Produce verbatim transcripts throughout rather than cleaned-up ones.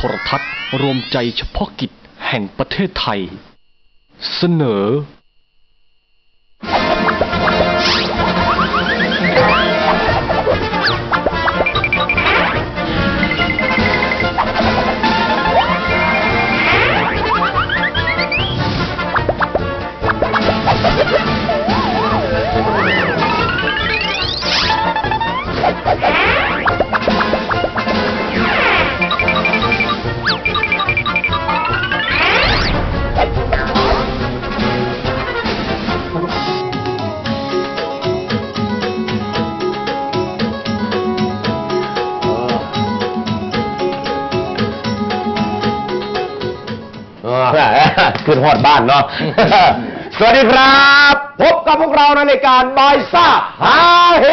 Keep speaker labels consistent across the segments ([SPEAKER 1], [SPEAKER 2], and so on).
[SPEAKER 1] รทัศน์รวมใจเฉพาะกิจแห่งประเทศไทยเสนอ
[SPEAKER 2] ขึ้นฮอดบ้านเนาะ สวัสดีครับพบกับพวกเราในรายการบอยซ่าฮาเฮ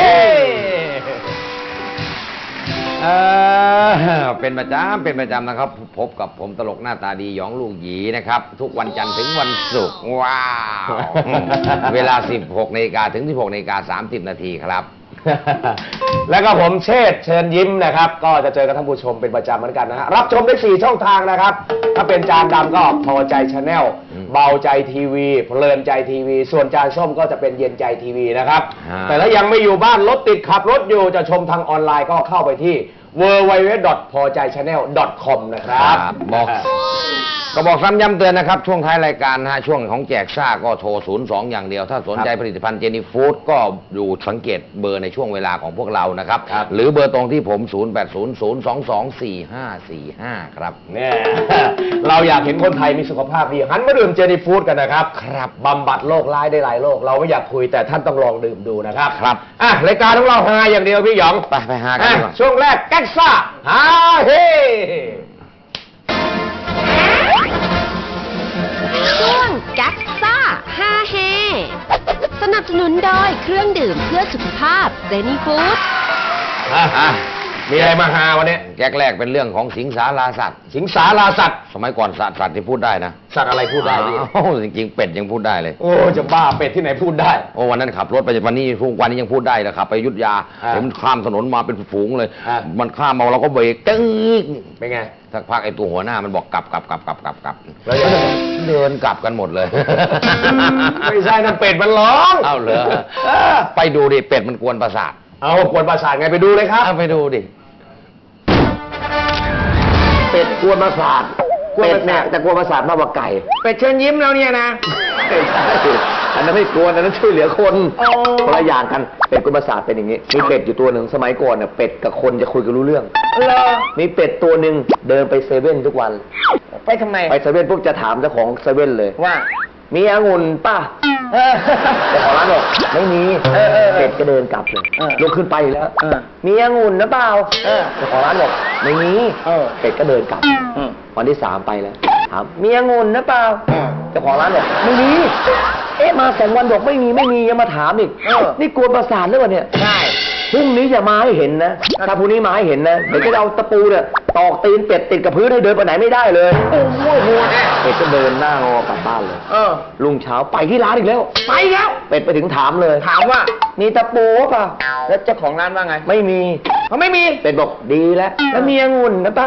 [SPEAKER 2] เออเป็นประจำเป็นประจำนะครับพบกับผมตลกหน้าตาดีหยองลูกหยีนะครับทุกวันจันทร์ถึงวันศุกร์ว้าวเวลา สิบหกนาฬิกา ถึง สิบหกนาฬิกาสามสิบนาทีครับ แล้วก็ผมเชษฐ์เชิญยิ้มนะครับก็จะเจอกับท่านผู้ชมเป็นประจำเหมือนกันนะฮะรับชมได้สี่ช่องทางนะครับถ้าเป็นจานดำก็พอใจชาแนลเบาใจทีวีเพลินใจทีวีส่วนจานส้มก็จะเป็นเย็นใจทีวีนะครับแต่ถ้ายังไม่อยู่บ้านรถติดขับรถอยู่จะชมทางออนไลน์ก็เข้าไปที่ ดับเบิลยู ดับเบิลยู ดับเบิลยู ดอท พอใจชาแนล ดอท คอม นะครับบอกก็บอกซ้ำย้ำเตือนนะครับช่วงท้ายรายการนะฮะช่วงของแจกซ่าก็โทรศูนย์ สองอย่างเดียวถ้าสนใจผลิตภัณฑ์เจนี่ฟู้ดก็ดูสังเกตเบอร์ในช่วงเวลาของพวกเรานะครับหรือเบอร์ตรงที่ผม ศูนย์ แปด ศูนย์ ศูนย์ สอง สอง สี่ ห้า สี่ ห้า ครับเนี่ยเราอยากเห็นคนไทยมีสุขภาพดีหันมาดื่มเจนี่ฟู้ดกันนะครับครับบำบัดโรคร้ายได้หลายโรคเราไม่อยากคุยแต่ท่านต้องลองดื่มดูนะครับครับอ่ะรายการของเราฮาอย่างเดียวพี่หยองไปไปฮากันช่วงแรกแก๊กซ่าฮาเฮ
[SPEAKER 3] ช่วงแก๊กซ่าฮาเฮสนับสนุนโดยเครื่องดื่มเพื่อสุขภาพเจนี่ฟู้ด
[SPEAKER 2] มีอะไรมาฮาวันนี้แก๊กแรกเป็นเรื่องของสิงสาราสัตว์สิงสาราสัตว์สมัยก่อนสัตว์สัตว์ที่พูดได้นะสัตว์อะไรพูดได้ดิจริงๆเป็ดยังพูดได้เลยโอ้จะบ้าเป็ดที่ไหนพูดได้โอ้วันนั้นขับรถไปวันนี้ทุกวันนี้ยังพูดได้เลยครับไปอยุธยาเห็นข้ามถนนมาเป็นฝูงเลยมันข้ามมาเราก็เบรกตึ้งเป็นไงสักพักไอ้ตัวหัวหน้ามันบอกกลับกลับกลับกลับกลับกลับแล้วเดินกลับกันหมดเลยไม่ใช่นั่นเป็ดมันร้องเอาเลยไปดูดิเป็ดมันกวนประสาทเอากวนประสาทไงไปดูเลยครับไปดูดิเป็ดกวนประสาทเป็ดเนี่ยแต่กวนประสาทมากกว่าไก่เป็ดเชิญยิ้มแล้วเนี่ยนะอันนั้นไม่กวนอันนั้นช่วยเหลือคนคนละอย่างกันเป็ดกวนประสาทเป็นอย่างนี้มีเป็ดอยู่ตัวหนึ่งสมัยก่อนเนี่ยเป็ดกับคนจะคุยกันรู้เรื่องมีเป็ดตัวหนึ่งเดินไปเซเว่นทุกวันไปทำไมไปเซเว่นพวกจะถามเจ้าของเซเว่นเลยว่ามีองุ่นป่ะเจ้าของร้านบอกไม่มีเป็ดก็เดินกลับเลยลุกขึ้นไปแล้วมีองุ่นนะเปล่าเจ้าของร้านบอกไม่มีเป็ดก็เดินกลับวันที่สามไปแล้วถามมีองุ่นนะเปล่าเจ้าของร้านบอกไม่มีเอ๊ะมาสองวันบอกไม่มีไม่มียังมาถามอีกนี่กวนประสาทหรือเปล่าเนี่ยใช่พรุ่งนี้อย่ามาให้เห็นนะถ้าพรุ่งนี้มาให้เห็นนะเดี๋ยวจะเอาตะปูเนี่ยตอกตีนเป็ดติดกับพื้นให้เดินไปไหนไม่ได้เลยโอ้โหเป็ดก็เดินหน้างอกลับบ้านเลยลุงเช้าไปที่ร้านอีกแล้วไปแล้วเป็ดไปถึงถามเลยถามว่ามีตะปูป่ะแล้วเจ้าของร้านว่าไงไม่มีเขาไม่มีเป็ดบอกดีแล้วแล้วมีองุ่นนะป่ะ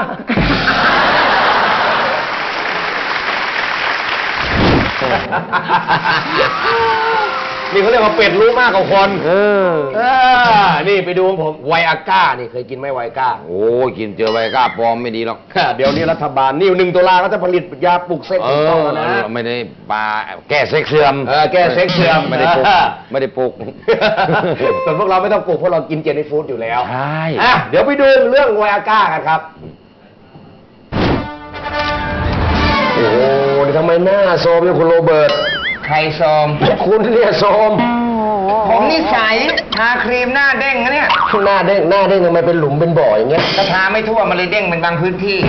[SPEAKER 2] นี่เขาเรียกว่าเป็ดรู้มากกว่าคนเออเออนี่ไปดูของผมไวอาก้านี่เคยกินไหมไวอาก้าโอ้กินเจอไวอาก้าปลอมไม่ดีหรอกเดี๋ยวนี้รัฐบาลนี่หนึ่งตุลาเขาจะผลิตยาปลุกเซ็กซ์ต้องนะไม่ได้ปลาแก้เซ็กเสื่อมเออแก้เซ็กเสื่อมไม่ได้ปลุกไม่ได้ปลุกส่วนพวกเราไม่ต้องปลุกเพราะเรากินเจนี่ฟู้ดอยู่แล้วใช่เดี๋ยวไปดูเรื่องไวอาก้ากันครับโอ้โหนี่ทำไมหน้าโซมอย่างคุณโรเบิร์ตใครโซมคุณเนี่ยโซมผมนิสัยทาครีมหน้าเด้งนะเนี่ยหน้าเด้งหน้าเด้งทำไมเป็นหลุมเป็นบ่ออย่างเงี้ยก็ทาไม่ทั่วมันเลยเด้งเป็นบางพื้นที่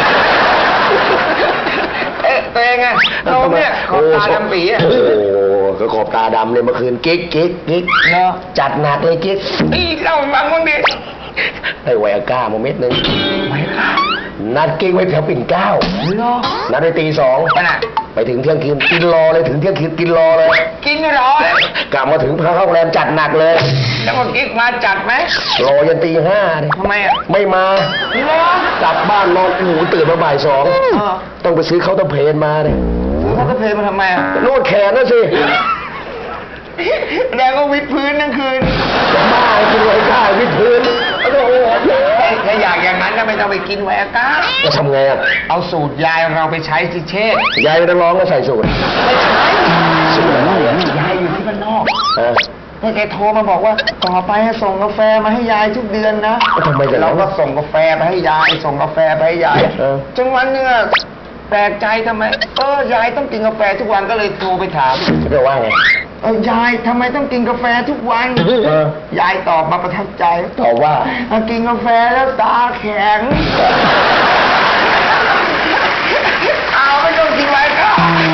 [SPEAKER 2] เอ๊ะตัวเองไงเราเนี่ยขอบตาดำปีอ่ะโอ้ก็ขอบตาดำเลยเมื่อคืนกิ๊กกิ๊กกิ๊กเนาะจัดหนักเลยกิ๊กนี่เล่าฟังบ้างดิไอ้ไวอาก้าโมเม็ดนึงไวอาก้า
[SPEAKER 4] นัดกิ้งไว้แถวปิ่นเกล้านัดในตีสองไปถึงเที่ยงคืนกินรอเลยถึงเที่ยงคืนกินรอเลย
[SPEAKER 2] กินรอเลย
[SPEAKER 4] กลับมาถึงพาเข้าโรงแรมจัดหนักเลย
[SPEAKER 2] แล้วก็กิ๊กมาจัดไหม
[SPEAKER 4] รอยันตีห้าเลย
[SPEAKER 2] ทำไมอ่ะ
[SPEAKER 4] ไม่มากลับบ้านนอนหูตื่นมาบ่ายสองต้องไปซื้อข้าวต้มเพลนมาเลย
[SPEAKER 2] ข้าวต้มเพลนมาทำไมอ่ะ
[SPEAKER 4] นวดแขนนะสิ
[SPEAKER 2] แล้วก็วิดพื้นทั้งคืน
[SPEAKER 4] บ้ากินไวก้าวิดพื้นโอ้โห
[SPEAKER 2] ถ้าอยากอย่างนั้นก็ไม่ต้องไปกินไวก้า
[SPEAKER 4] จะทำไงอ่ะ
[SPEAKER 2] เอาสูตรยายเราไปใช้สิเชษ
[SPEAKER 4] ยายนักร้องก็ใส่สูตร
[SPEAKER 2] ไม่ใช่สูตรอะไรยายอยู่ที่บ้านนอกเมื่อแกโทรมาบอกว่าต่อไปส่งกาแฟมาให้ยายทุกเดือนนะ
[SPEAKER 4] ทำไม
[SPEAKER 2] เราก็ส่งกาแฟไปให้ยายส่งกาแฟไปให้ยายจนวันนึงแปลกใจทำไมเออยายต้องกินกาแฟทุกวันก็เลยโทรไปถาม
[SPEAKER 4] จะว่าไง
[SPEAKER 2] เออยายทำไมต้องกินกาแฟทุกวันยายตอบมาประทับใจ
[SPEAKER 4] ตอบว่า
[SPEAKER 2] กินกาแฟแล้วตาแข็งเอาไม่ต้องกินไว้ก็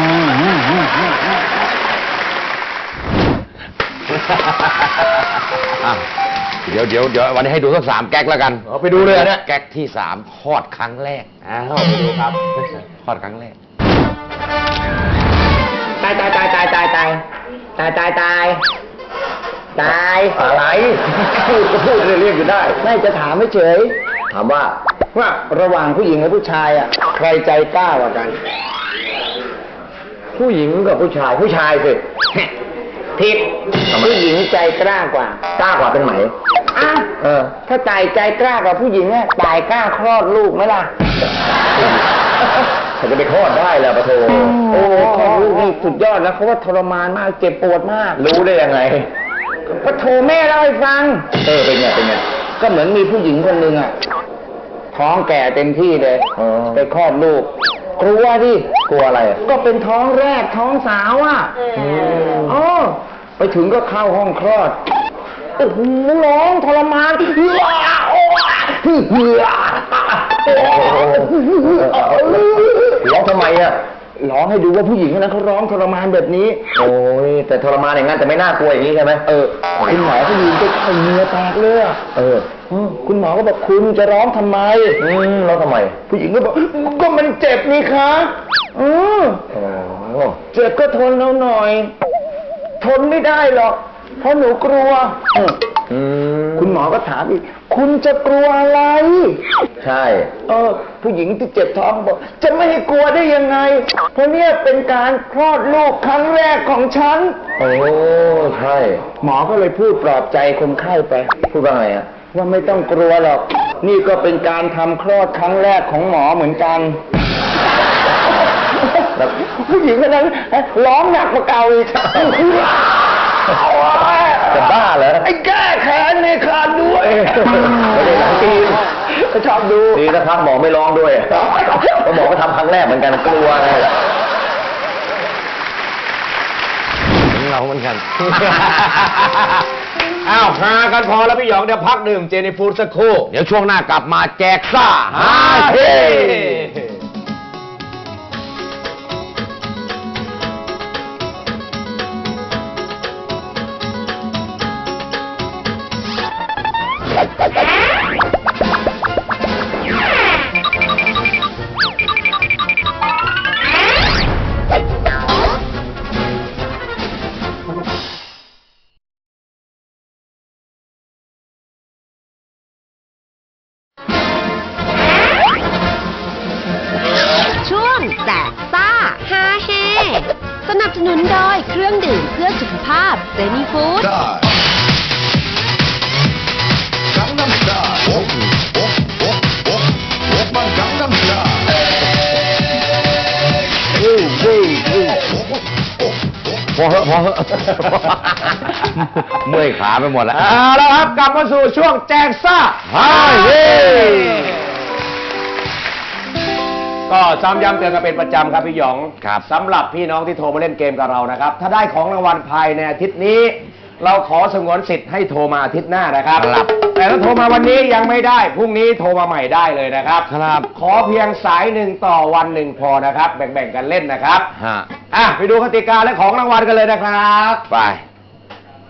[SPEAKER 2] เดี๋ยวเดี๋ยวเดี๋ยววันนี้ให้ดูสักสามแก๊กแล้วกัน
[SPEAKER 4] เอาไปดูเลยนะ
[SPEAKER 2] แก๊กที่สามคลอดครั้งแรก
[SPEAKER 4] อ้าวไปดูครับ
[SPEAKER 2] คลอดครั้งแรก
[SPEAKER 5] ตายตายตายตายตายตายตายตายตายตาย
[SPEAKER 4] อะไรพูดก็พูดเรียกอยู่ได้
[SPEAKER 5] ไม่จะถามไม่เฉย
[SPEAKER 4] ถามว่า
[SPEAKER 5] ว่าระหว่างผู้หญิงกับผู้ชายอ่ะใครใจกล้ากว่ากัน
[SPEAKER 4] ผู้หญิงกับผู้ชายผู้ชายสิ
[SPEAKER 5] ผิดผู้หญิงใจกล้ากว่
[SPEAKER 4] ากล้ากว่าเป็นไหม
[SPEAKER 5] อ่ะเออถ้าตายใจกล้ากว่าผู้หญิงเนี่ยตายกล้าคลอดลูกไหมล่ะ
[SPEAKER 4] เขาจะไปคลอดได้แล้วปะโถ
[SPEAKER 5] โอ้คลอดลูกนี่สุดยอดแล้วเขาว่าทรมานมากเจ็บปวดมาก
[SPEAKER 4] รู้ได้ยังไง
[SPEAKER 5] ปะโถแม่เล่าให้ฟัง
[SPEAKER 4] เออเป็นไงเป็นไง
[SPEAKER 5] ก็เหมือนมีผู้หญิงคนหนึ่งอ่ะท้องแก่เต็มที่เลยไปคลอดลูกกลัวดิ
[SPEAKER 4] กลัวอะไร
[SPEAKER 5] ก็เป็นท้องแรกท้องสาวอ่ะอ๋อไปถึงก็เข้าห้องคลอดโอ้โหร้องทรมานเฮือโอ้เฮือ
[SPEAKER 4] ร้องทำไมอ่ะ
[SPEAKER 5] ร้องให้ดูว่าผู้หญิงคนนั้นเขาร้องทรมานแบบนี้
[SPEAKER 4] โอ้ยแต่ทรมานอย่างนั้นแต่ไม่น่ากลัวอย่างนี้ใช่ไหม
[SPEAKER 5] เออคุณหมอผู้หญิงก็ไอเนื้อแตกเลย
[SPEAKER 4] เออ
[SPEAKER 5] คุณหมอก็บอกคุณจะร้องทำไม
[SPEAKER 4] อืมร้องทำไม
[SPEAKER 5] ผู้หญิงก็บอกก็มันเจ็บนี่คะอือเจ็บก็ทนแล้วหน่อยทนไม่ได้หรอกเพราะหนูกลัวคุณหมอก็ถามอีกคุณจะกลัวอะไร
[SPEAKER 4] ใช่
[SPEAKER 5] เออผู้หญิงที่เจ็บท้องบอกจะไม่ให้กลัวได้ยังไงเพราะเนี่ยเป็นการคลอดลูกครั้งแรกของฉัน
[SPEAKER 4] โอ้ใช่
[SPEAKER 5] หมอก็เลยพูดปลอบใจคนไข้ไป
[SPEAKER 4] พูดว่าไงอ่ะ
[SPEAKER 5] ว่าไม่ต้องกลัวหรอกนี่ก็เป็นการทำคลอดครั้งแรกของหมอเหมือนกันผู้หญิงคนนั้นร้องหนักกว่าเก่าอีก
[SPEAKER 4] จะบ้าเหรอ
[SPEAKER 5] ไอ้แก้แค้นในคลานด้วย
[SPEAKER 4] ไม่ได้ร้องจีน
[SPEAKER 5] ก็ชอบดู
[SPEAKER 4] ดีนะครับหมอไม่ร้องด้วยเพราะหมอก็ทำครั้งแรกเหมือนกันกลัวไง
[SPEAKER 2] เราเหมือนกันอ้าวหากันพอแล้วพี่หยองเดี๋ยวพักดื่มเจนี่ฟู้ดสักครู่เดี๋ยวช่วงหน้ากลับมาแจกซ่าฮาเฮ
[SPEAKER 3] สนับสนุนโดยเครื่องดื่มเพื่อสุขภาพเซนีฟู้ด
[SPEAKER 2] พอเหอะพอเหอะเมื่อยขาไปหมดแล้วเอาละครับกลับมาสู่ช่วงแจกซ่าฮาเฮก็ซ้ำย้ำเตือนกันเป็นประจำครับพี่หยองครับสำหรับพี่น้องที่โทรมาเล่นเกมกับเรานะครับถ้าได้ของรางวัลภายในอาทิตย์นี้เราขอสงวนสิทธิ์ให้โทรมาอาทิตย์หน้านะครับครับแต่ถ้าโทรมาวันนี้ยังไม่ได้พรุ่งนี้โทรมาใหม่ได้เลยนะครับครับขอเพียงสายหนึ่งต่อวันหนึ่งพอนะครับแบ่งๆกันเล่นนะครับฮะอ่ะไปดูกติกาและของรางวัลกันเลยนะครับไป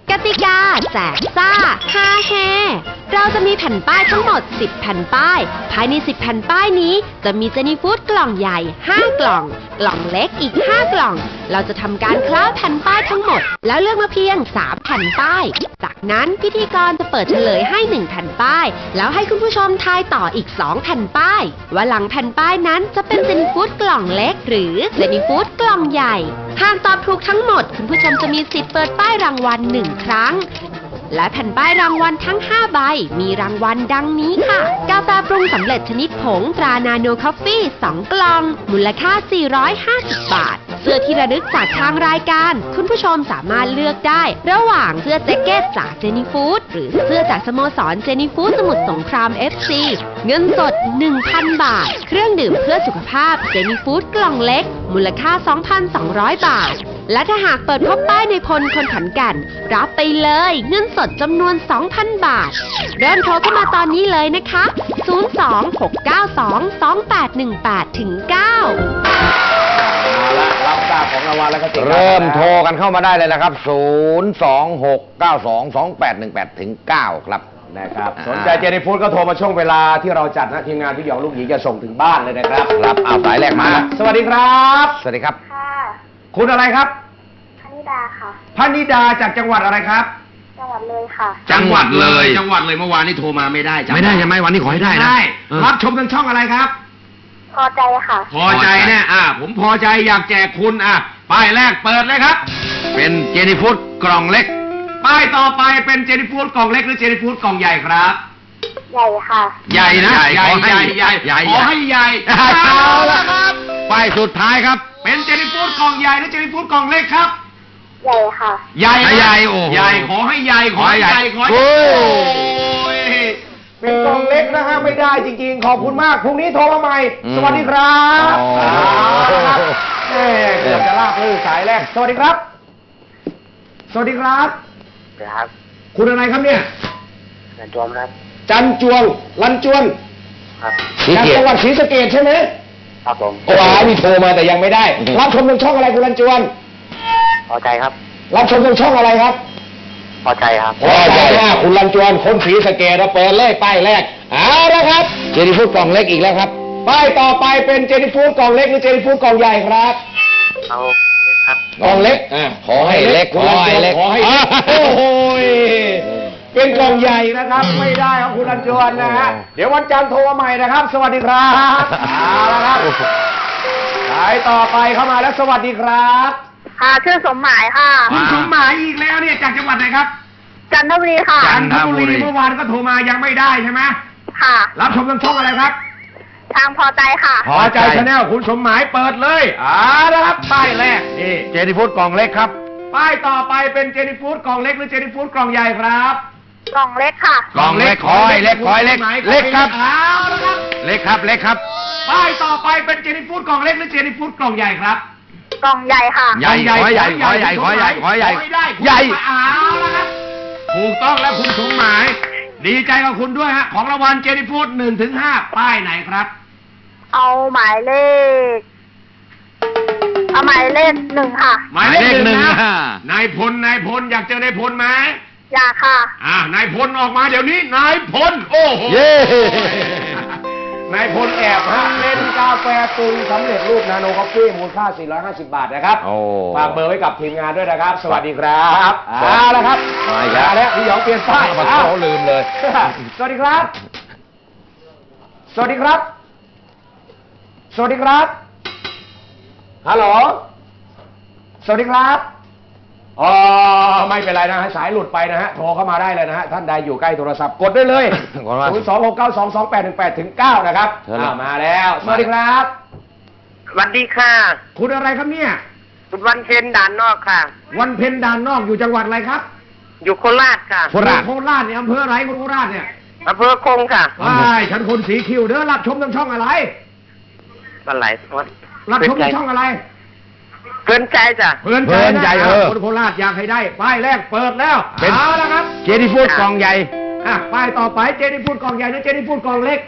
[SPEAKER 3] กติกาแจกซ่าฮาเฮเราจะมีแผ่นป้ายทั้งหมดสิบแผ่นป้ายภายในสิบแผ่นป้ายนี้จะมีเจนี่ฟู้ดกล่องใหญ่ห้ากล่องกล่องเล็กอีกห้ากล่องเราจะทำการคล้าแผ่นป้ายทั้งหมดแล้วเลือกมาเพียงสามแผ่นป้ายจากนั้นพิธีกรจะเปิดเฉลยให้หนึ่งแผ่นป้ายแล้วให้คุณผู้ชมทายต่ออีกสองแผ่นป้ายว่าหลังแผ่นป้ายนั้นจะเป็นเจนี่ฟู้ดกล่องเล็กหรือเจนี่ฟู้ดกล่องใหญ่หากตอบถูกทั้งหมดคุณผู้ชมจะมีสิทธิ์เปิดป้ายรางวัลหนึ่งครั้งและแผ่นป้ายรางวัลทั้งห้าใบมีรางวัลดังนี้ค่ะกาแฟปรุงสำเร็จชนิดผงตรานาโนคอฟฟี่สองกล่องมูลค่าสี่ร้อยห้าสิบบาทเสื้อที่ระลึกจากทางรายการคุณผู้ชมสามารถเลือกได้ระหว่างเสื้อแจ็คเก็ตจากเจนี่ฟู้ดหรือเสื้อจากสโมสรเจนี่ฟู้ดสมุทรสงคราม เอฟ ซี เงินสด หนึ่งพัน บาทเครื่องดื่มเพื่อสุขภาพเจนี่ฟู้ดกล่องเล็กมูลค่า สองพันสองร้อย บาทและถ้าหากเปิดพบป้ายในพลคนขอนแก่นรับไปเลยเงินสดจำนวน สองพัน บาทเริ่มโทรเข้ามาตอนนี้เลยนะคะ ศูนย์ สอง หก เก้า สอง สอง แปด หนึ่ง แปด เก้า
[SPEAKER 4] เอาละรับทราบของรางวัลแล้วก็ติด
[SPEAKER 2] เริ่มโทรกันเข้ามาได้เลยนะครับ ศูนย์ สอง หก เก้า สอง สอง แปด หนึ่ง แปด เก้า ครับ
[SPEAKER 4] นะครับสนใจเจนี่ฟู้ดก็โทรมาช่วงเวลาที่เราจัดนะทีมงานพี่หยองลูกหยีจะส่งถึงบ้านเลยนะครับ
[SPEAKER 2] ครับเอาสายแรกมาแล้ว
[SPEAKER 4] สวัสดีครับ
[SPEAKER 2] สวัสดีครับ
[SPEAKER 6] ค่ะ
[SPEAKER 4] คุณอะไรครับ
[SPEAKER 6] พนิดาค่ะ
[SPEAKER 4] พนิดาจากจังหวัดอะไรครับ
[SPEAKER 6] จังหวัดเลยค่ะ
[SPEAKER 2] จังหวัดเลย
[SPEAKER 4] จังหวัดเลยเมื่อวานนี้โทรมาไม่ได้จำ
[SPEAKER 2] ไม่ได้ใช่ไหมวันนี้ขอให้ได้นะ
[SPEAKER 4] ได้
[SPEAKER 2] เออ
[SPEAKER 4] รับชมทางช่องอะไรครับ
[SPEAKER 6] พอใจค่ะ
[SPEAKER 4] พอใจเนี่ยอ่าผมพอใจอยากแจกคุณอ่ะป้ายแรกเปิดเลยครับ
[SPEAKER 2] เป็นเจนี่ฟู้ดกล่องเล็ก
[SPEAKER 4] ป้ายต่อไปเป็นเจนี่ฟู้ดกล่องเล็กหรือเจนี่ฟู้ดกล่องใหญ่ครับ
[SPEAKER 6] ใหญ่ค่ะ
[SPEAKER 4] ใหญ่นะ
[SPEAKER 2] ใหญ่
[SPEAKER 4] ใหญ่
[SPEAKER 2] ขอให้
[SPEAKER 4] ใหญ่ใหญ่
[SPEAKER 2] ใหญ่
[SPEAKER 4] ขอให้ใหญ่
[SPEAKER 2] เอา
[SPEAKER 4] เอา
[SPEAKER 2] ละ
[SPEAKER 4] ละครับ
[SPEAKER 2] ป้ายสุดท้ายครับ
[SPEAKER 4] เป็นเจนี่ฟู้ดกล่องใหญ่หรือเจนี่ฟู้ดกล่องเล็กครับ
[SPEAKER 6] ใหญ่ค่ะ
[SPEAKER 4] ใหญ่นะ
[SPEAKER 2] ใหญ่โอ้โห
[SPEAKER 4] ใหญ่ขอให้ใหญ่ขอให้ใหญ่ขอให้
[SPEAKER 2] โอ้
[SPEAKER 4] โอ้ยเป็นกล่องเล็กนะฮะไม่ได้จริงๆ ขอบคุณมากพรุ่งนี้โทรมาใหม่
[SPEAKER 2] อืม
[SPEAKER 4] สวัสดีครับ
[SPEAKER 2] อ๋อ
[SPEAKER 4] เอาละครับแม่เกือบจะลากลื่นสายแรกสวัสดีครับ สวัสดีครับ
[SPEAKER 5] ครับ
[SPEAKER 4] คุณอะไรครับเนี่ย
[SPEAKER 5] นันจอมครับ
[SPEAKER 4] จันจวงลันจวน
[SPEAKER 5] ครับ
[SPEAKER 4] จากจังหวัดศรีสะเกษใช่ไหม
[SPEAKER 5] ครับผม
[SPEAKER 4] โอ้โหมีโทรมาแต่ยังไม่ได้ รับชมทางช่องอะไรคุณลันจวน
[SPEAKER 5] พอใจครับ
[SPEAKER 4] รับชมทางช่องอะไรครับ
[SPEAKER 5] พอใจครับ
[SPEAKER 4] พอใจมากคุณลันจวนคนศรีสะเกษเราเปิดเลยป้ายแรกเอาละครับ
[SPEAKER 2] เจนี่ฟู้ดกล่องเล็กอีกแล้วครับ
[SPEAKER 4] ป้ายต่อไปเป็นเจนี่ฟู้ดกล่องเล็กหรือเจนี่ฟู้ดกล่องใหญ่ครับ
[SPEAKER 5] เอาเลยครับ
[SPEAKER 4] กล่องเล็กอ่า
[SPEAKER 2] ขอให้เล็ก
[SPEAKER 4] คุณลันจวน
[SPEAKER 2] ข
[SPEAKER 4] ข
[SPEAKER 2] อ
[SPEAKER 4] อ
[SPEAKER 2] ให้
[SPEAKER 4] ให้
[SPEAKER 2] เล็
[SPEAKER 4] เล็
[SPEAKER 2] ก
[SPEAKER 4] กโอ้โหยเป็นกล่องใหญ่นะครับ ไม่ได้ครับคุณลันจวนนะฮะเดี๋ยววันจันทร์โทรมาใหม่นะครับ สวัสดีครับเอาละครับสายต่อไปเข้ามาแล้วสวัสดีครับ
[SPEAKER 6] ค่ะ ชื่อสมหมายค่ะ
[SPEAKER 4] คุณสมหมายอีกแล้วเนี่ยจากจังหวัดไหนครับ
[SPEAKER 6] จันทบุรีค่ะ
[SPEAKER 4] จันทบุรีเมื่อวานก็โทรมายังไม่ได้ใช่ไหม
[SPEAKER 6] ค่ะ
[SPEAKER 4] รับชมทางช่องอะไรครับ
[SPEAKER 6] ทางพอใจค่ะ
[SPEAKER 2] พอใจ
[SPEAKER 4] ชาแนลคุณสมหมายเปิดเลยอ่านะครับป้ายแรกนี่
[SPEAKER 2] เจนี่ฟู้ดกล่องเล็กครับ
[SPEAKER 4] ป้ายต่อไปเป็นเจนี่ฟู้ดกล่องเล็กหรือเจนี่ฟู้ดกล่องใหญ่ครับ
[SPEAKER 6] กล่องเล็กค่ะ
[SPEAKER 2] กล่องเล็กขอให้เล็กขอให้เล็ก เล็กครับ
[SPEAKER 4] เอาละครับ
[SPEAKER 2] เล็กครับเล็กครับ
[SPEAKER 4] ป้ายต่อไปเป็นเจนี่ฟู้ดกล่องเล็กหรือเจนี่ฟู้ดกล่องใหญ่ครับ
[SPEAKER 6] กล่องใหญ่ค่ะ
[SPEAKER 2] ใหญ่ขอให้ใหญ่ขอให้ใหญ่ขอให้ใหญ่ขอให้ใหญ่
[SPEAKER 4] ขอให้ได้
[SPEAKER 2] ใหญ่
[SPEAKER 4] เอาละครับถูกต้องแล้วคุณสมหมาย ดีใจกับคุณด้วยฮะของรางวัลเจนี่ฟู้ดหนึ่งถึงห้าป้ายไหนครับ
[SPEAKER 6] เอาหมายเลข เอาหมายเลขหนึ่งค่ะ
[SPEAKER 4] หมายเลขหนึ่ง
[SPEAKER 2] หมายเลขหนึ่ง
[SPEAKER 4] นะ
[SPEAKER 2] อ่าน
[SPEAKER 4] ายพลนายพลอยากเจอนายพลไหม
[SPEAKER 6] อยากค่ะ
[SPEAKER 4] อ่านายพลออกมาเดี๋ยวนี้นายพลโอ้โห
[SPEAKER 2] เย้
[SPEAKER 4] นายพลแอบฮะเล่นกาแฟปรุงสำเร็จรูปนาโนคอฟฟี่มูลค่าสี่ร้อยห้าสิบบาทนะครับ
[SPEAKER 2] โอ้
[SPEAKER 4] ฝากเบอร์ไว้กับทีมงานด้วยนะครับ สวัสดีครับ
[SPEAKER 2] ครับ
[SPEAKER 4] เอาละครับ
[SPEAKER 2] มาอีกแล้ว
[SPEAKER 4] แล้วพี่หยองเปลี่ยนป้าย
[SPEAKER 2] มา
[SPEAKER 4] อ้าว
[SPEAKER 2] เขาลืมเลย
[SPEAKER 4] สวัสดีครับ สวัสดีครับ สวัสดีครับ ฮัลโหล สวัสดีครับอ๋อไม่เป็นไรนะฮะสายหลุดไปนะฮะ โทรเข้ามาได้เลยนะฮะ ท่านใดอยู่ใกล้โทรศัพท์กดได้เลย
[SPEAKER 2] กดมา
[SPEAKER 4] ศูนย์ สอง หก เก้า สอง สอง แปด หนึ่ง แปด ถึง เก้านะครับ
[SPEAKER 2] เชิญเลย
[SPEAKER 4] อ่ามาแล้ว สวัสดีครับ
[SPEAKER 5] สวัสดีค่ะ
[SPEAKER 4] คุณอะไรครับเนี่ย
[SPEAKER 5] คุณวันเพ็ญด่านนอกค่ะ
[SPEAKER 4] วันเพ็ญด่านนอกอยู่จังหวัดอะไรครับ
[SPEAKER 5] อยู่โคราชค่ะ
[SPEAKER 2] โคราช
[SPEAKER 4] โคราชเนี่ยอำเภออะไรคุณโคราชเนี่ย
[SPEAKER 5] อำเภอคงค่ะ
[SPEAKER 4] ว้ายฉันคนสีคิวเด้อรับชมทางช่องอะไร
[SPEAKER 5] วันไหลวัด
[SPEAKER 4] รับชมทางช่องอะไร
[SPEAKER 5] เกินใจจ้ะ
[SPEAKER 4] เพื่อน
[SPEAKER 2] เพื่อนใจ
[SPEAKER 4] นะ
[SPEAKER 2] เออ
[SPEAKER 4] คนโคราชอยากให้ได้ป้ายแรกเปิดแล้ว
[SPEAKER 2] เป็น
[SPEAKER 4] เอาละครับ
[SPEAKER 2] เจนี่ฟู้ดกล่องใหญ่
[SPEAKER 4] อ่ะป้ายต่อไปเจนี่พูดกล่องใหญ่หรือเจนี่พูดกล่องเล็ก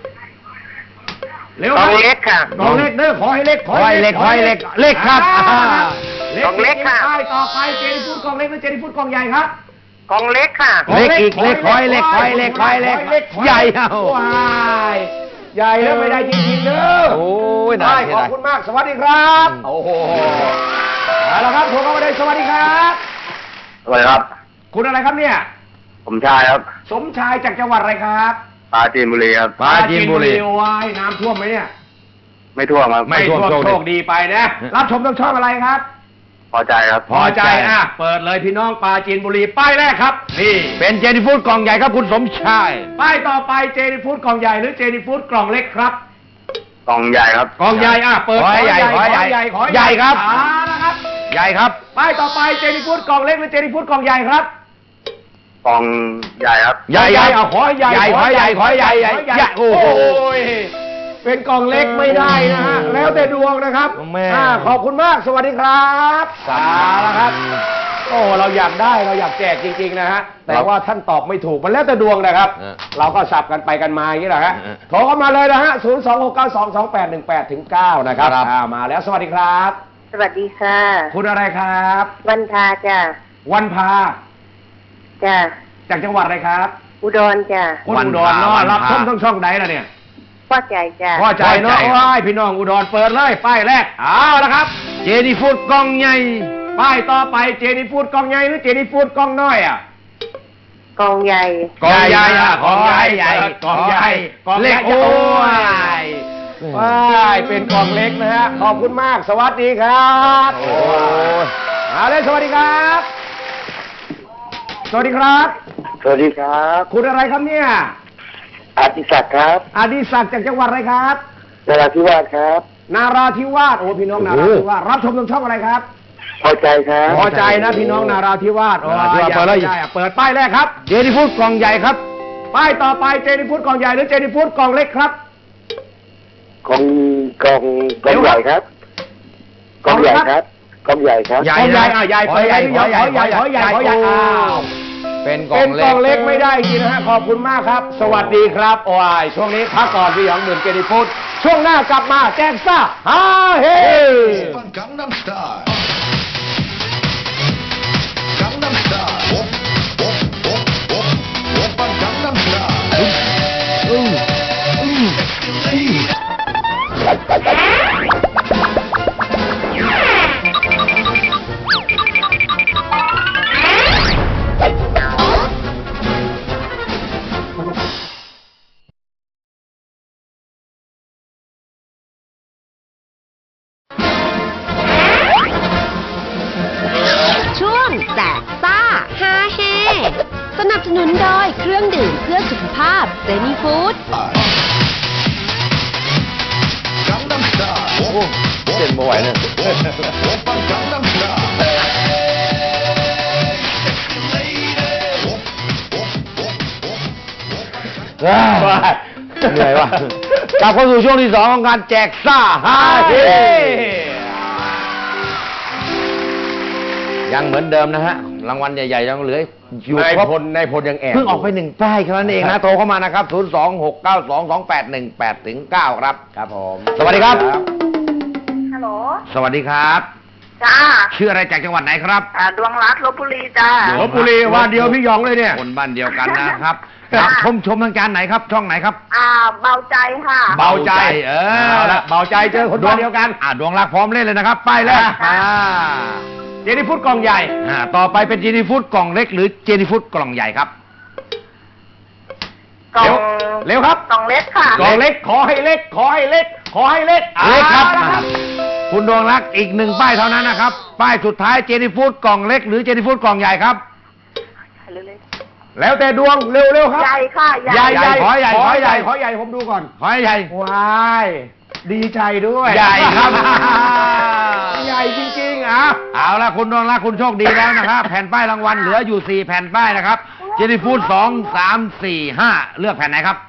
[SPEAKER 4] เร็ว
[SPEAKER 5] กล่องเล็กค่ะ
[SPEAKER 4] กล่องเล็กเด้อขอให้เล็ก
[SPEAKER 2] ขอให้เล็กขอให้เล็กเล็กครับ
[SPEAKER 4] อ่า
[SPEAKER 6] กล่องเล็กค่ะ
[SPEAKER 4] ป้ายต่อไปเจนี่ฟูดกล่องเล็กหรือเจนี่ฟูดกล่องใหญ่ครับ
[SPEAKER 6] กล่องเล็กค่ะ
[SPEAKER 2] เล็กอีกเล็กคอยเล็กคอยเล็กคอยเล็กใหญ่เอา
[SPEAKER 4] ว้ายใหญ่แล้วไม่ได้จริงๆเด้อ
[SPEAKER 2] โอ้ยน่า
[SPEAKER 4] ได้
[SPEAKER 2] เสีย
[SPEAKER 4] ขอบ
[SPEAKER 2] ดาย
[SPEAKER 4] คุณมากสวัสดีครับโอ้โหเอาละครับโทรเข้ามาเลยสวัสดีครับ
[SPEAKER 7] สวัสดีครับ
[SPEAKER 4] คุณอะไรครับเนี่ย
[SPEAKER 7] ผมชายครับ
[SPEAKER 4] สมชายจากจังหวัดอะไรครับ
[SPEAKER 7] ปราจีนบุรีครับ
[SPEAKER 2] ปราจีนบุรี
[SPEAKER 4] ว้ายน้ำท่วมไหมเนี่ย
[SPEAKER 7] ไม่ท่วมครับ
[SPEAKER 2] ไม่ท่วม
[SPEAKER 4] โชคดีไปนะรับชมต้องช่องอะไรครับ
[SPEAKER 7] พอใจครับ
[SPEAKER 4] พอใจอ่ะเปิดเลยพี่น้องปราจีนบุรีป้ายแรกครับนี่
[SPEAKER 2] เป็นเจนี่ฟูดกล่องใหญ่ครับคุณสมชาย
[SPEAKER 4] ป้ายต่อไปเจนี่ฟูดกล่องใหญ่หรือเจนี่ฟูดกล่องเล็กครับ
[SPEAKER 7] กล่องใหญ่ครับ
[SPEAKER 4] กล่องใหญ่อ่ะเปิด
[SPEAKER 2] ขอให้ใหญ่ขอให้ใหญ่
[SPEAKER 4] ขอให้
[SPEAKER 2] ใหญ่ครับ
[SPEAKER 4] อ่านะครับ
[SPEAKER 2] ใหญ่ครับ
[SPEAKER 4] ป้ายต่อไปเจนี่ฟูดกล่องเล็กหรือเจนี่ฟูดกล่องใหญ่ครับ
[SPEAKER 7] กล่องใหญ่ครับ
[SPEAKER 2] ใหญ่
[SPEAKER 4] ใหญ่เอาขอให้ใหญ่
[SPEAKER 2] ใหญ่ขอให้ใหญ่ขอให้ใหญ่ใหญ่ใหญ่โอ้โห
[SPEAKER 4] ยเป็นกล่องเล็กไม่ได้นะฮะแล้วแต่ดวงนะครับ
[SPEAKER 2] แม่
[SPEAKER 4] อ่าขอบคุณมากสวัสดีครับสาแล้วครับ โอ้เราอยากได้เราอยากแจกจริงๆนะฮะแต่ว่าท่านตอบไม่ถูกมันแล้วแต่ดวงนะครับ
[SPEAKER 2] เออ
[SPEAKER 4] เราก็สับกันไปกันมาอย่างนี้แหละฮะ
[SPEAKER 2] เออ
[SPEAKER 4] โทรเข้ามาเลยนะฮะศูนย์ สอง หก เก้า สอง สอง แปด หนึ่ง แปด ถึง เก้านะครับ
[SPEAKER 2] ครับ
[SPEAKER 4] อ่ามาแล้วสวัสดีครับ
[SPEAKER 6] สวัสดีค่ะ
[SPEAKER 4] คุณอะไรครับ
[SPEAKER 6] วันทาจ้ะ
[SPEAKER 4] วันพา
[SPEAKER 6] จ้ะ
[SPEAKER 4] จากจังหวัดอะไรครับ
[SPEAKER 6] อุดรจ้ะ
[SPEAKER 4] คุณ
[SPEAKER 2] วัน
[SPEAKER 4] อุด
[SPEAKER 2] พาร
[SPEAKER 4] เนาะ
[SPEAKER 2] วันพารั
[SPEAKER 4] รับชมทั้งช่องไหนล่ะเนี่ย
[SPEAKER 6] พอใจจ้ะ
[SPEAKER 4] พอใจเนาะ
[SPEAKER 2] พอใจ
[SPEAKER 4] ว้ายพี่น้องอุดรเปิดเลยป้ายแรกเอาละครับ
[SPEAKER 2] เจนี่ฟูดกล่องใหญ่
[SPEAKER 4] ป้ายต่อไปเจนี่ฟูดกล่องใหญ่หรือเจนี่ฟูดกล่องน้อยอ่ะ
[SPEAKER 6] กล่องใหญ่
[SPEAKER 2] กล่องใหญ่อ่ะ
[SPEAKER 4] กล่องใหญ่
[SPEAKER 2] ใหญ่
[SPEAKER 4] กล่องใหญ่กล่องใหญ่
[SPEAKER 2] เล็กโอ้ย
[SPEAKER 4] ว้ายเป็นกล่องเล็กนะฮะขอบคุณมากสวัสดีครับ
[SPEAKER 2] โอ้ย
[SPEAKER 4] เอาเลยสวัสดีครับ สวัสดีครับ
[SPEAKER 7] สวัสดีครับ
[SPEAKER 4] คุณอะไรครับเนี่ย
[SPEAKER 7] อาติศักดิ์ครับ
[SPEAKER 4] อดิศักดิ์จากจังหวัดอะไรครับ
[SPEAKER 7] นราธิวาสครับ
[SPEAKER 4] นาราธิวาสโอ้พี่น้องนาราธิวาสรับชมทางช่องอะไรครับ
[SPEAKER 7] พอใจครับ
[SPEAKER 4] พอใจนะพี่น้องนาราธิวาสโอ้
[SPEAKER 2] นาราธิวาส
[SPEAKER 4] อยาก
[SPEAKER 2] เปิดเลย
[SPEAKER 4] ได้อะเปิดป้ายแรกครับ
[SPEAKER 2] เจนี่ฟูดกล่องใหญ่ครับ
[SPEAKER 4] ป้ายต่อไปเจนี่ฟูดกล่องใหญ่หรือเจนี่ฟูดกล่องเล็กครับ
[SPEAKER 7] กล่องกล่องกล่องใหญ่ครับ กล่องใหญ่ครับ กล่องใหญ่ครับ
[SPEAKER 2] ใหญ่
[SPEAKER 4] กล่องใหญ่
[SPEAKER 2] นะ
[SPEAKER 4] อ่ะใหญ่
[SPEAKER 2] ขอใหญ่
[SPEAKER 4] ขอใหญ่
[SPEAKER 2] ขอใหญ่
[SPEAKER 4] ขอใหญ่ขอใหญ่
[SPEAKER 2] โ
[SPEAKER 4] อ้าว
[SPEAKER 2] เป็นกล่อ
[SPEAKER 4] เป็
[SPEAKER 2] ง
[SPEAKER 4] น
[SPEAKER 2] เล็
[SPEAKER 4] ก
[SPEAKER 2] ก
[SPEAKER 4] ล่องเล็กไม่ได้จริงนะฮะขอบคุณมากครับ สวัสดีครับโอ้ยช่วงนี้พักก่อนพี่หยองหมื่นเจนี่ฟูดช่วงหน้ากลับมาแจ้งซ่าฮาเฮ
[SPEAKER 8] Gangnam Style. Gangnam Style. Whoop, whoop, whoop, whoop, whoop on Gangnam Style. Escalade.
[SPEAKER 3] ช่วงแจกซ่าฮาเฮสนับสนุนโดยเครื่องดื่มเพื่อสุขภาพเจนี่ฟู้ด
[SPEAKER 8] Gangnam Style.
[SPEAKER 2] โอ้เต้นไม่ไหวเนี่ย
[SPEAKER 8] Whoop on Gangnam Style. Escalade. Whoop, whoop, whoop, whoop, whoop.
[SPEAKER 2] เหนื่อยว่ะกลับเข้าสู่ช่วงที่สองของการแจกซ่าฮาเฮยังเหมือนเดิมนะฮะ รางวัลใหญ่ๆยังเหลืออยู่
[SPEAKER 4] นาย
[SPEAKER 2] ครบ
[SPEAKER 4] พลนายพลยังแอบ
[SPEAKER 2] เพิ่งออกไปหนึ่งป้ายแค่นั้นเองนะ โทรเข้ามานะครับ ศูนย์ สอง หก เก้า สอง สอง แปด หนึ่ง แปด ถึง เก้า ครับ
[SPEAKER 4] ครับผม
[SPEAKER 2] สวัสดีครับ
[SPEAKER 6] ฮัลโหล
[SPEAKER 2] สวัสดีครับ
[SPEAKER 6] จ้า
[SPEAKER 2] ชื่ออะไรจากจังหวัดไหนครับ
[SPEAKER 6] อ่าดวงรัตน์ลบบุรีจ้า
[SPEAKER 4] ลบบุรีว่าเดียวพี่หยองเลยเนี่ย
[SPEAKER 2] คนบ้านเดียวกันนะครับ
[SPEAKER 6] ค่ะ
[SPEAKER 2] ครับชมชมทางการไหนครับ ช่องไหนครับ
[SPEAKER 6] อ่า เบาใจค่ะ
[SPEAKER 4] เบาใจ
[SPEAKER 2] เอ
[SPEAKER 4] เอา
[SPEAKER 2] อ
[SPEAKER 4] ละเบาใจเจอคนบ้านเดียวกัน
[SPEAKER 2] อ่าดวงรักพร้อมเล่นเลยนะครับ ป้ายแรก
[SPEAKER 4] อ่า
[SPEAKER 2] อ่า
[SPEAKER 4] เจนี่ฟูดกล่องใหญ่
[SPEAKER 2] อ่าต่อไปเป็นเจนี่ฟูดกล่องเล็กหรือเจนี่ฟูดกล่องใหญ่ครับ
[SPEAKER 6] กล่อง
[SPEAKER 4] เร็วเร็วครับ
[SPEAKER 6] กล่องเล็กค่ะ
[SPEAKER 4] กล่องเล็กขอให้เล็ก ขอให้เล็ก ขอให้เล็ก
[SPEAKER 2] เล็กครับ
[SPEAKER 4] อาละครับ
[SPEAKER 2] คุณดวงรักอีกหนึ่งป้ายเท่านั้นนะครับ ป้ายสุดท้ายเจนี่ฟูดกล่องเล็กหรือเจนี่ฟูดกล่องใหญ่ครับ
[SPEAKER 4] แล้วแต่ดวงเร็วเร็วครับ
[SPEAKER 6] ใหญ่ค่ะ ใหญ่
[SPEAKER 4] ใหญ่
[SPEAKER 2] ใหญ่ขอใหญ่
[SPEAKER 4] ขอ
[SPEAKER 2] ขอให
[SPEAKER 4] ให
[SPEAKER 2] ญ่
[SPEAKER 4] ญ่ขอใหญ่ผมดูก่อน
[SPEAKER 2] ขอให้ใหญ่
[SPEAKER 4] ว้ายดีใจด้วย
[SPEAKER 2] ใหญ่ครับ
[SPEAKER 4] ใหญ่จริงๆอ่ะ
[SPEAKER 2] เอาละคุณดวงรักคุณโชคดีแล้วนะครับ แผ่นป้ายรางวัลเหลืออยู่สี่แผ่นป้ายนะครับ เจนี่ฟูดสองสามสี่ห้าเลือกแผ่นไหนครับ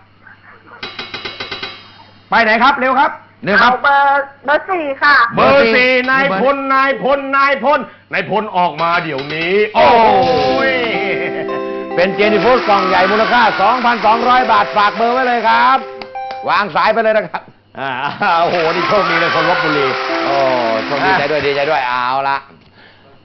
[SPEAKER 4] ไปไหนครับเร็วครับ
[SPEAKER 2] เลือกค
[SPEAKER 6] เอา
[SPEAKER 2] รับ
[SPEAKER 6] เบอร์เบอร์สี่ค่ะ
[SPEAKER 4] เบอร์สี่
[SPEAKER 2] เบอร์
[SPEAKER 4] นายพลนายพลนายพลนายพลออกมาเดี๋ยวนี้ โอ้ย
[SPEAKER 2] เป็นเจนี่ฟูดกล่องใหญ่มูลค่า สองพันสองร้อย บาทฝากเบอร์ไว้เลยครับ วางสายไปเลยนะครับ
[SPEAKER 4] อ่าโอ้โหนี่โชคดีเลยคนลบบุรี
[SPEAKER 2] โอ้โชคดีใจด้วยดีใจด้วยเอาละ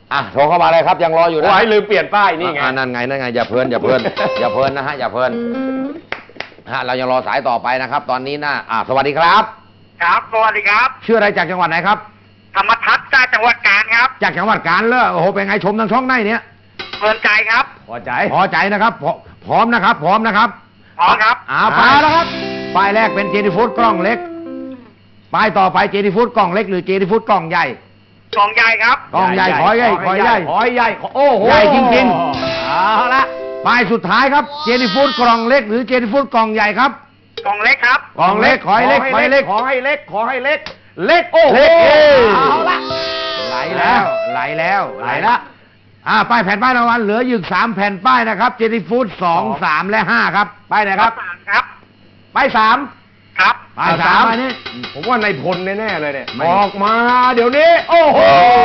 [SPEAKER 2] อ่ะโทรเข้ามาเลยครับยังรออยู่นะ
[SPEAKER 4] โอ้ยลืมเปลี่ยนป้ายนี่ไง
[SPEAKER 2] อ่านั่นไงนั่นไงอย่าเพลินอย่าเพลิน อย่าเพลินนะฮะอย่าเพลินฮะเรายังรอสายต่อไปนะครับ ตอนนี้นะอ่าสวัสดีครับ
[SPEAKER 6] ครับ สวัสดีครับ
[SPEAKER 2] ชื่ออะไรจากจังหวัดไหนครับ
[SPEAKER 6] ธรรมทัศน์จากจังหวัดกาญครับ
[SPEAKER 2] จากจังหวัดกาญเลยโอ้โหเป็นไงชมทางช่องได้เนี่ย
[SPEAKER 6] เพลินใจครับ
[SPEAKER 4] พอใจ
[SPEAKER 2] พอใจนะครับพร้อพร้อมนะครับพร้อมนะครับ
[SPEAKER 6] พร้อมครับ
[SPEAKER 2] อ่าไปแล้วครับป้ายแรกเป็นเจนี่ฟูดกล้องเล็กป้ายต่อไปเจนี่ฟูดกล้องเล็กหรือเจนี่ฟูดกล้องใหญ่
[SPEAKER 6] กล่องใหญ่ครับ
[SPEAKER 2] กล้องใหญ่ขอใหญ่ขอใหญ่
[SPEAKER 4] ขอใหญ่โอ้โห
[SPEAKER 2] ใหญ่จริงๆ
[SPEAKER 4] เอาละ
[SPEAKER 2] ป้ายสุดท้ายครับเจนี่ฟูดกล่องเล็กหรือเจนี่ฟูดกล่องใหญ่ครับ
[SPEAKER 6] กล่องเล็กครับ
[SPEAKER 2] กล่องเล็กขอให้เล็กขอให้เล็ก
[SPEAKER 4] ขอให้เล็กขอให้เล็ก เล็กโอ้โห
[SPEAKER 2] เล็กเอ้ย
[SPEAKER 4] เอาละ
[SPEAKER 2] ไหลแล้วไหลแล้วไหลแล้วอ่าป้ายแผ่นป้ายรางวัลเหลืออยู่สามแผ่นป้ายนะครับเจนี่ฟูดสองสามและห้าครับป้ายไหนครับ
[SPEAKER 6] สามครับ
[SPEAKER 4] ไปสาม
[SPEAKER 6] ครับ
[SPEAKER 2] ป้ายสามอันนี้
[SPEAKER 4] ผมว่าในพลแน่ๆเลยเนี่ย
[SPEAKER 2] ไม่
[SPEAKER 4] ออกมาเดี๋ยวนี้ โอ้โห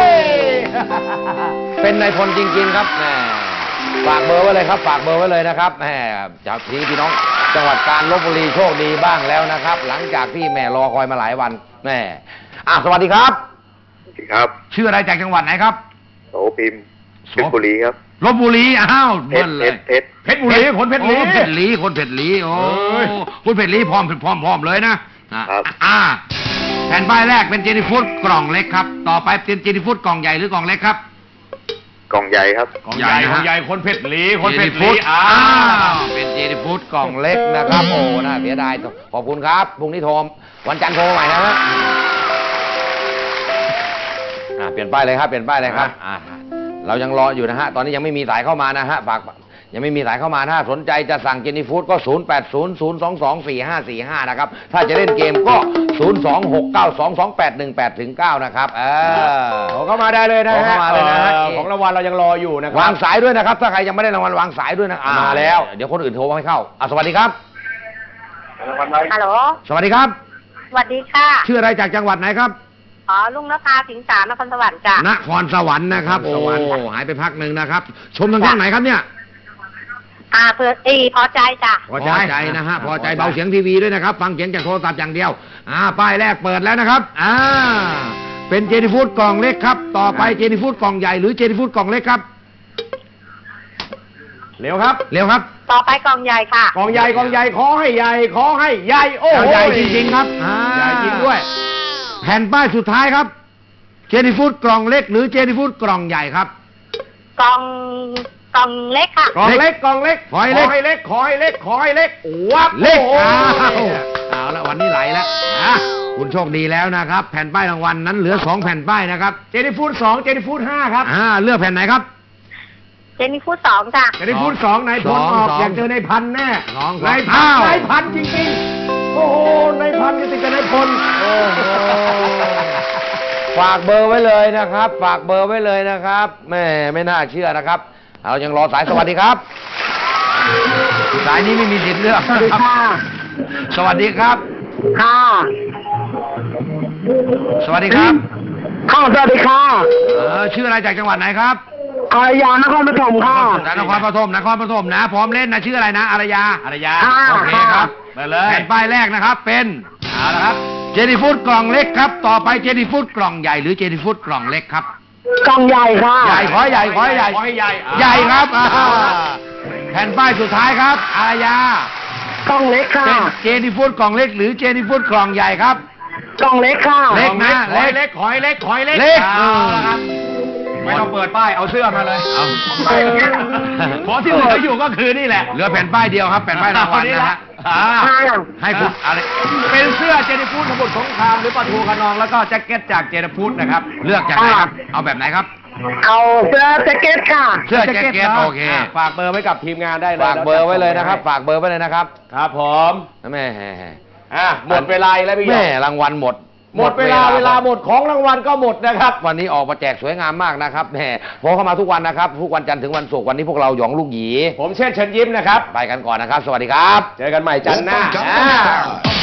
[SPEAKER 2] เป็นนายพลจริงๆครับแหมฝากเบอร์ไว้เลยครับฝากเบอร์ไว้เลยนะครับแหมจากพี่พี่น้องจังหวัดกาญจนบุรีโชคดีบ้างแล้วนะครับ หลังจากที่แหม่รอคอยมาหลายวันแหมอ่ะสวัสดีครับ
[SPEAKER 7] ครับ
[SPEAKER 2] ชื่ออะไรจากจังหวัดไหนครับ
[SPEAKER 7] โสพิมพ์เพชรบุรีครับ
[SPEAKER 2] ลพบุรีอ้าว
[SPEAKER 7] เพ
[SPEAKER 2] เบิ้
[SPEAKER 7] ช
[SPEAKER 2] ล
[SPEAKER 7] ร
[SPEAKER 2] เล
[SPEAKER 7] เพ
[SPEAKER 2] ย
[SPEAKER 7] ชรเพชร
[SPEAKER 4] เพชรบุรีคนเพชรบุรี
[SPEAKER 2] โอ้เพชรลีคนเพชรลีโอ้
[SPEAKER 4] เอ้ย
[SPEAKER 2] คุณเพชรลีพร้อมพร้อมพร้อมเลยนะอ่ะ
[SPEAKER 7] ครับ
[SPEAKER 2] อ่าแผ่นป้ายแรกเป็นเจนี่ฟูดกล่องเล็กครับ ต่อไปเป็นเจนี่ฟูดกล่องใหญ่หรือกล่องเล็กครับ
[SPEAKER 7] กล่องใหญ่ครับ
[SPEAKER 4] ของใหญ่
[SPEAKER 2] ใหญ่นะ
[SPEAKER 4] ของใหญ่คนเพชรลีคนเพชร
[SPEAKER 2] จฟู
[SPEAKER 4] ลี
[SPEAKER 2] ด
[SPEAKER 4] อ้า
[SPEAKER 2] อ้าว วเป็นเจนี่ฟูดกล่องเล็กนะครับ โอ้น่าเสียดายขอบคุณครับพรุ่งนี้โทรวันจันทร์โทรใหม่นะฮะอ่าเปลี่ยนป้ายเลยครับเปลี่ยนป้ายเลยครับอ่าเรายังรออยู่นะฮะตอนนี้ยังไม่มีสายเข้ามานะฮะฝากยังไม่มีสายเข้ามาถ้าสนใจจะสั่งเจนี่ฟูดก็ ศูนย์ แปด ศูนย์ ศูนย์ สอง สอง สี่ ห้า สี่ ห้า นะครับถ้าจะเล่นเกมก็ ศูนย์ สอง หก เก้า สอง สอง แปด หนึ่ง แปด ถึง เก้า นะครับเออ
[SPEAKER 4] โทรเข้ามาได้เลยนะ
[SPEAKER 2] โทร
[SPEAKER 4] ฮะ
[SPEAKER 2] เข้ามาเลยนะฮะ
[SPEAKER 4] เอ่อของรางวัลเรายังรออยู่นะครั
[SPEAKER 2] วางสายด้วยนะครับ ถ้าใครยังไม่ได้รางวัลวางสายด้วยนะอ่
[SPEAKER 4] มาแล้ว
[SPEAKER 2] เดี๋ยวคนอื่นโทรมาให้เข้าอ่ะสวัสดีครับ
[SPEAKER 6] ฮัลโหล
[SPEAKER 2] สวัสดีครับ
[SPEAKER 6] สวัสดีค่ะ
[SPEAKER 2] ชื่ออะไรจากจังหวัดไหนครับ
[SPEAKER 6] อ๋อ ลุงนภาสิงสารนครสวรรค์จ้ะ
[SPEAKER 2] นครสวรรค์นะครับ โอ้หายไปพักหนึ่งนะครับ ชมทางช่องไหนครับเนี่ย
[SPEAKER 6] อ่าเพื่ออีพอใจจ้ะ
[SPEAKER 2] พอใจนะฮะ พอใจเบาเสียงทีวีด้วยนะครับ ฟังเสียงจากโทรศัพท์อย่างเดียว อ่า ป้ายแรกเปิดแล้วนะครับ อ่า เป็นเจนี่ฟูดกล่องเล็กครับ ต่อไปเจนี่ฟูดกล่องใหญ่หรือเจนี่ฟูดกล่องเล็กครับ
[SPEAKER 4] เร็วครับ
[SPEAKER 2] เร็วครับ
[SPEAKER 6] ต่อไปกล่องใหญ่ค่ะ
[SPEAKER 4] กองใหญ่กองใหญ่ขอให้ใหญ่ขอให้ใหญ่โอ้โห
[SPEAKER 2] ใหญ่จริงๆครับอ่า
[SPEAKER 4] ใหญ่จริงด้วย
[SPEAKER 2] แผ่นป้ายสุดท้ายครับ เจนี่ฟูดกล่องเล็กหรือเจนี่ฟูดกล่องใหญ่ครับ
[SPEAKER 6] กล่องกล่องเล็กค่ะ
[SPEAKER 4] กองเล็กกองเล็ก
[SPEAKER 2] ขอให้เล็ก
[SPEAKER 4] ขอให้เล็กขอให้เล็กขอให้เล็กวับ
[SPEAKER 2] เล็ก
[SPEAKER 4] โอ้
[SPEAKER 2] อ้าว
[SPEAKER 4] โห
[SPEAKER 2] เอาละวันนี้ไหลแล้วอ่ะคุณโชคดีแล้วนะครับ แผ่นป้ายรางวัลนั้นเหลือสองแผ่นป้ายนะครับ
[SPEAKER 4] เจนี่ฟูดสองเจนี่ฟูดห้าครับ
[SPEAKER 2] อ่าเลือกแผ่นไหนครับ
[SPEAKER 6] เจนนี่ฟูดสองจ้ะ
[SPEAKER 4] เจนี่ฟูดสองนายพล
[SPEAKER 2] สอง
[SPEAKER 4] ออก
[SPEAKER 2] สอง
[SPEAKER 4] อยากเจอนายพันแน่
[SPEAKER 2] สองสอง
[SPEAKER 4] นายพัน
[SPEAKER 2] อ้าว
[SPEAKER 4] นายพันจริงๆ โอ้โหนายพันนี่ติดกับนายพลโอ้โห
[SPEAKER 2] ฝากเบอร์ไว้เลยนะครับ ฝากเบอร์ไว้เลยนะครับแม่ไม่น่าเชื่อนะครับเรายังรอสายสวัสดีครับ สายนี้ไม่มีสิทธิ์เลือกนะครับสวัสดีครับ
[SPEAKER 6] ค่ะ
[SPEAKER 2] สวัสดีครับ
[SPEAKER 6] ค่ะสวัสดีค่ะ
[SPEAKER 2] เออชื่ออะไรจากจังหวัดไหนครับ
[SPEAKER 6] อารยานครปฐมค่ะ
[SPEAKER 2] จากนครปฐมนครปฐมนะพร้อมเล่นนะชื่ออะไรนะอารยา
[SPEAKER 4] อารยา
[SPEAKER 6] อ่า
[SPEAKER 2] โอเคครับ
[SPEAKER 4] ไปเลย
[SPEAKER 2] แผ่นป้ายแรกนะครับ เป็นเอาละครับเจนี่ฟูดกล่องเล็กครับ ต่อไปเจนี่ฟูดกล่องใหญ่หรือเจนี่ฟูดกล่องเล็กครับ
[SPEAKER 6] กล่องใหญ่ค่ะ
[SPEAKER 2] ใหญ่ขอให้ใหญ่ขอให้ใหญ่
[SPEAKER 4] ขอให้ใหญ่อ่า
[SPEAKER 2] ใหญ่ครับอ่าแผ่นป้ายสุดท้ายครับอารยาก
[SPEAKER 6] ล่องเล็กค่ะ
[SPEAKER 2] เป็นเจนี่ฟูดกล่องเล็กหรือเจนี่ฟูดกล่องใหญ่ครับ
[SPEAKER 6] กล่องเล็กค่ะ
[SPEAKER 2] เล็กนะ
[SPEAKER 4] ขอให้เล็กขอให้เล็กขอให้เล็ก
[SPEAKER 2] เล็ก
[SPEAKER 4] อาละครับไม่ต้องเปิดป้ายเอาเสื้อมาเลย
[SPEAKER 2] เอา
[SPEAKER 4] เพราะที่เหลืออยู่ก็คือนี่แหละ
[SPEAKER 2] เหลือแผ่นป้ายเดียวครับแผ่นป้ายรางวัลนะฮะ
[SPEAKER 4] อ่า
[SPEAKER 2] ให้คุณอะไร
[SPEAKER 4] เป็นเสื้อเจนิฟูดสมุทรสงครามหรือปลาทูขนองแล้วก็แจ็คเก็ตจากเจนิฟูดนะครับ
[SPEAKER 2] เลือกจากไหนครับ เอาแบบไหนครับ
[SPEAKER 6] เอาเสื้อแจ็คเก็ตค่ะ
[SPEAKER 2] เสื้อแจ็คเก็ต
[SPEAKER 4] นะ
[SPEAKER 2] โอเค
[SPEAKER 4] ะฝากเบอร์ไว้กับทีมงานได้เลย
[SPEAKER 2] ฝากเบอร์ไว้เลยนะครับ ฝากเบอร์ไว้เลยนะครับ
[SPEAKER 4] ครับผม
[SPEAKER 2] แม่
[SPEAKER 4] อ่ะหมดเวลาอีกแล้วพี่หย
[SPEAKER 2] แม่
[SPEAKER 4] ก
[SPEAKER 2] รางวัลหมด
[SPEAKER 4] หมดเวลาเวลาหมดของรางวัลก็หมดนะครับ
[SPEAKER 2] วันนี้ออกมาแจกสวยงามมากนะครับแหมโทรเข้ามาทุกวันนะครับ ทุกวันจันทร์ถึงวันศุกร์วันนี้พวกเราหยองลูกหยี
[SPEAKER 4] ผมเช่นเชิญยิ้มนะครับ
[SPEAKER 2] ไปกันก่อนนะครับ สวัสดีครับ
[SPEAKER 4] เจอกันใหม่จันทร์หน้า
[SPEAKER 8] Gangnam
[SPEAKER 4] อ่า
[SPEAKER 8] Style